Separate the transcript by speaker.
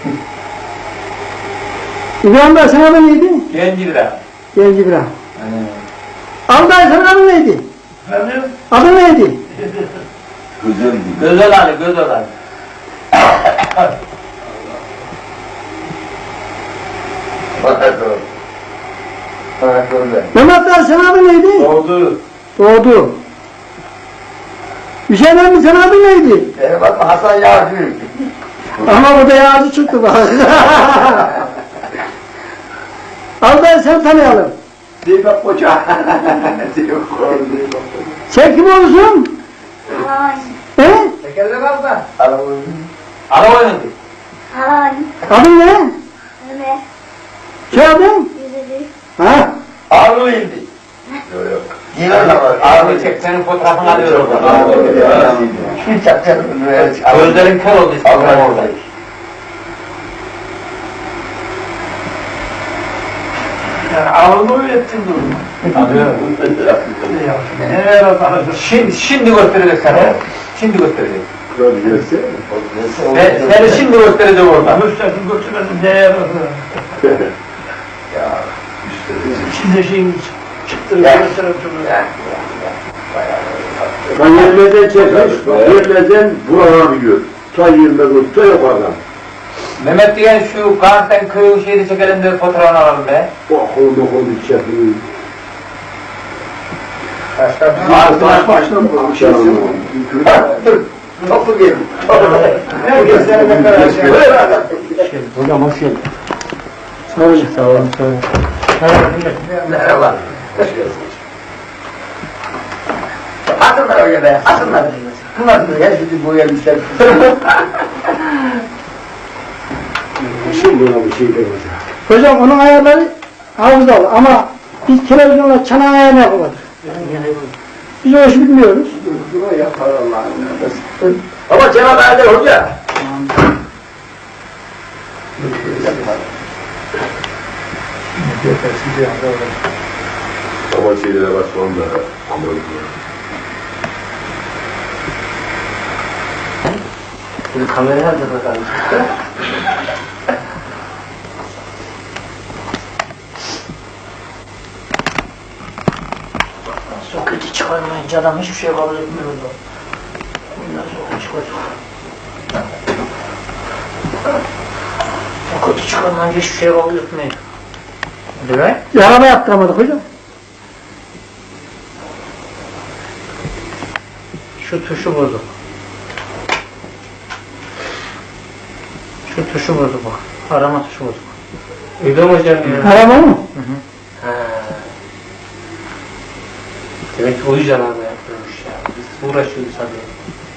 Speaker 1: İbrahim Bey sana adı neydi?
Speaker 2: Genci bira.
Speaker 1: Genci İbrahim. Alday sana adı neydi?
Speaker 3: Efendim?
Speaker 1: Adı neydi?
Speaker 2: Gözel Ali, Gözel Ali.
Speaker 1: Mehmet Bey sana adı neydi?
Speaker 2: Doğdu.
Speaker 1: Doğdu. Hüseyin abi sana adı neydi?
Speaker 4: Bak Hasan Yağcı.
Speaker 1: Ama bu da yağcı çıktı bak. Alday sen tanıyalım.
Speaker 4: Zeybek Koca.
Speaker 1: Sen kim olursun?
Speaker 5: Halan.
Speaker 1: He?
Speaker 4: Tekerlek al da.
Speaker 2: Ara oynadı.
Speaker 5: Halan.
Speaker 1: Adın ne?
Speaker 5: Ömer.
Speaker 1: Soyadın?
Speaker 5: Yüzücü.
Speaker 1: Ha?
Speaker 4: Ağrı indi. Yok yok.
Speaker 2: Ağrı çek, senin fotoğrafını alıyor orada.
Speaker 4: Hiç yapacağım.
Speaker 2: Gözlerin kör oldu işte orada.
Speaker 3: Ağırlığı öğrettin durumu.
Speaker 2: Şimdi gösterecek sana. Şimdi gösterecek. Seni şimdi gösterecek orada.
Speaker 3: Gösterdim götürmedim neye yaradı. Şimdi şeyin çıktırıp gösterip duruyor.
Speaker 6: Ben yerlerden çekmiş, yerlerden buralar biliyor. Ta yerlerden, ta yukarıdan.
Speaker 2: Mehmet diyen şu Gans'tan köyü şeyde çekelim de fotoğrafını alalım be.
Speaker 6: Bakıldı çekmiş.
Speaker 4: Baştan bu şey Topu gelin. Herkes seni ne kadar şey.
Speaker 1: Hocam hoş geldin. Sağ olun. Sağ olun.
Speaker 4: Merhaba. Atınlar öyle be, atınlar. Bunlar da ya şimdi bu gelmişler.
Speaker 6: Şimdi ona bir şey demeyeceğim.
Speaker 1: Hocam onun ayarları hafızalı ama biz televizyonla çanak ayarını yapamadık. Biz o işi bilmiyoruz.
Speaker 4: Bunu yapar Allah'ın. Ama Cenab-ı Adel Hoca.
Speaker 6: Ama şeylere başlamam da.
Speaker 4: Şimdi kamerayı nerede bakalım?
Speaker 3: Soketi çıkarmayınca adam hiçbir şey kabul etmiyordu. Bundan sokağa çıkacak. Soketi çıkarmayınca hiçbir şey kabul etmiyor. Değil mi?
Speaker 1: Yarama yaptıramadık hocam.
Speaker 3: Şu tuşu bozuk. Şu tuşu bozuk bak. Arama tuşu bozuk.
Speaker 2: Öyle mi hocam ya?
Speaker 1: Arama mı?
Speaker 2: Demek ki o yüzden arama yapıyormuş ya. Biz uğraşıyoruz tabii.